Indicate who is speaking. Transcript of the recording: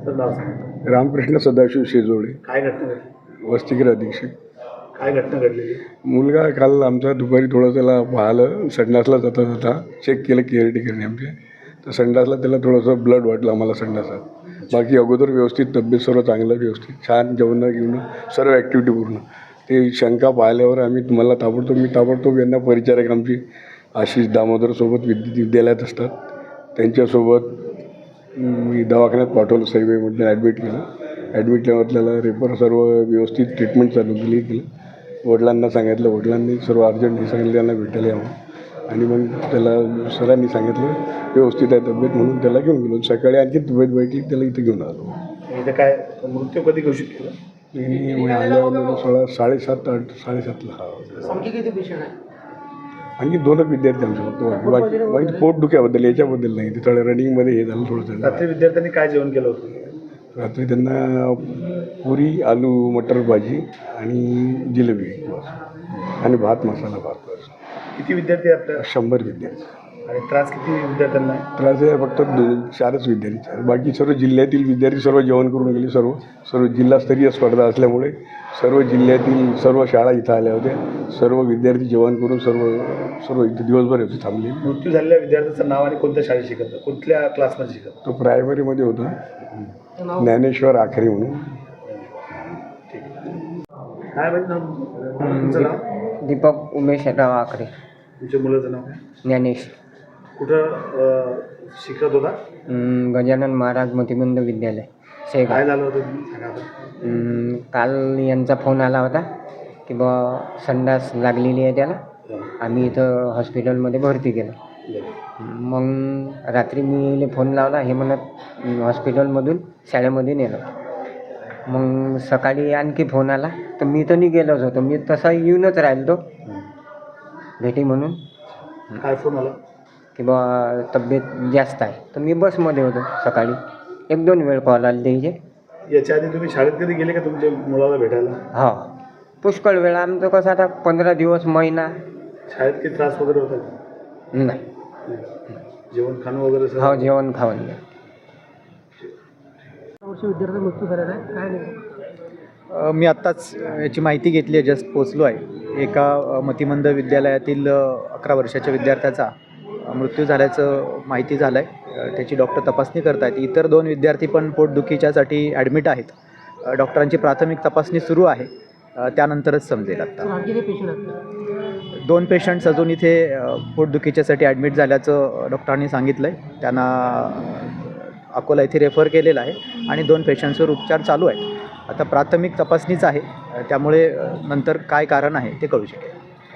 Speaker 1: तर नाव सांगा.
Speaker 2: रामकृष्ण सदाशिव शेजोडे,
Speaker 1: काय घटना घडली?
Speaker 2: वसतिगृह अधीक्षक.
Speaker 1: काय घटना घडलेली?
Speaker 2: मुलगा काल आमचा दुपारी थोडं त्याला पाहिलं, संडासला जाता जाता चेक केलं केअरटेकरने आमच्या, तर संडासला त्याला थोडंसं ब्लड वाटलं आम्हाला संडासात. बाकी अगोदर व्यवस्थित तब्येत सर्व चांगलं व्यवस्थित छान जेवणं घेऊन सर्व ॲक्टिव्हिटी पूर्ण. ते शंका पाहिल्यावर आम्ही तुम्हाला ताबडतोब यांना परिचारक आमची आशिष दामोदरसोबत विद्यालयात असतात, त्यांच्यासोबत मी दवाखान्यात पाठवलं, सईबाईमध्ये ॲडमिट केलं. ॲडमिट केल्यावर त्याला रेफर सर्व व्यवस्थित ट्रीटमेंट चालू केलं. वडिलांना सांगितलं, वडिलांनी सर्व अर्जंट हे सांगितलं त्यांना भेटायला यावं, आणि मग त्याला सरांनी सांगितलं व्यवस्थित आहे तब्येत म्हणून त्याला घेऊन गेलो. सकाळी आणखी तब्येत बैठली, त्याला इथं घेऊन आलो.
Speaker 1: इथं काय मृत्यू कधी घोषित केलं?
Speaker 2: मी आल्यावर 7:30 हा.
Speaker 1: आणखी किती पेशंट आहे?
Speaker 2: आणखी 2 विद्यार्थी आमच्यासोबत. बाकी पोटदुख्याबद्दल याच्याबद्दल नाही, ते थोडं रनिंगमध्ये हे झालं थोडंसं.
Speaker 1: रात्री विद्यार्थ्यांनी काय जेवण केलं होतं?
Speaker 2: रात्री त्यांना पुरी, आलू मटर भाजी आणि जिलेबी आणि भात, मसाला भात.
Speaker 1: किती विद्यार्थी आहे आपल्या?
Speaker 2: 100 विद्यार्थी.
Speaker 1: आणि त्रास किती विद्यार्थ्यांना आहे?
Speaker 2: त्रास आहे फक्त 4च विद्यार्थी. बाकी सर्व जिल्ह्यातील विद्यार्थी सर्व जेवण करून गेले. सर्व जिल्हास्तरीय स्पर्धा असल्यामुळे सर्व जिल्ह्यातील सर्व शाळा इथं आल्या होत्या. सर्व विद्यार्थी जेवण करून सर्व इथे दिवसभर होते थांबले.
Speaker 1: मृत्यू झालेल्या विद्यार्थ्याचं नाव आणि कोणत्या शाळेत शिकत, कुठल्या क्लासमध्ये शिकत?
Speaker 2: तो प्रायमरीमध्ये होता, ज्ञानेश्वर आखरे म्हणून.
Speaker 1: काय माहिती नाव तुमचं? नाव?
Speaker 3: दीपक उमेशराव आखरे.
Speaker 1: तुमच्या मुलाचं नाव काय?
Speaker 3: ज्ञानेश.
Speaker 1: कुठं शिकत होता?
Speaker 3: गजानन महाराज मतिमंद विद्यालय
Speaker 1: काय
Speaker 3: शेगाव.
Speaker 1: झालं होतं तुम्ही सांगा आता.
Speaker 3: काल यांचा फोन आला होता की बा संडास लागलेली आहे त्याला, आम्ही इथं हॉस्पिटलमध्ये भरती केलं. मग रात्री मी फोन लावला, हे म्हणत हॉस्पिटलमधून शाळेमध्ये नेलं. मग सकाळी आणखी फोन आला, तर मी तर नाही गेलोच होतो, मी तसा येऊनच राहिलो तो भेटी म्हणून.
Speaker 1: काय फोन आला?
Speaker 3: की बा तब्येत जास्त आहे, तर मी बसमध्ये होतो. सकाळी 1-2 वेळ कॉल आले त्याचे.
Speaker 1: याच्या आधी तुम्ही शाळेत कधी गेले का तुमच्या मुलाला भेटायला?
Speaker 3: हो, पुष्कळ वेळा. आमचं कसं आता 15 दिवस, महिना.
Speaker 1: शाळेत काही त्रास वगैरे होता का?
Speaker 3: नाही.
Speaker 1: जेवण खाणं वगैरे सर?
Speaker 3: हो, जेवण खावण.
Speaker 1: विद्यार्थी मृत्यू झालेला आहे, काय नाही?
Speaker 4: मी आत्ताच याची माहिती घेतली आहे, जस्ट पोचलो आहे. एका मतिमंद विद्यालयातील 11 वर्षाच्या विद्यार्थ्याचा मृत्यू झाल्याचं माहिती झालं आहे. त्याची डॉक्टर तपासणी करत आहेत. इतर 2 विद्यार्थी पण पोटदुखीच्यासाठी ॲडमिट आहेत. डॉक्टरांची प्राथमिक तपासणी सुरू आहे, त्यानंतरच समजेल. आता 2 पेशंट्स अजून इथे पोटदुखीच्यासाठी ॲडमिट झाल्याचं डॉक्टरांनी सांगितलं आहे. त्यांना अकोला येथे रेफर केलेलं आहे आणि 2 पेशंट्सवर उपचार चालू आहेत. आता प्राथमिक तपासणीच आहे, त्यामुळे नंतर काय कारण आहे ते कळू शकेल.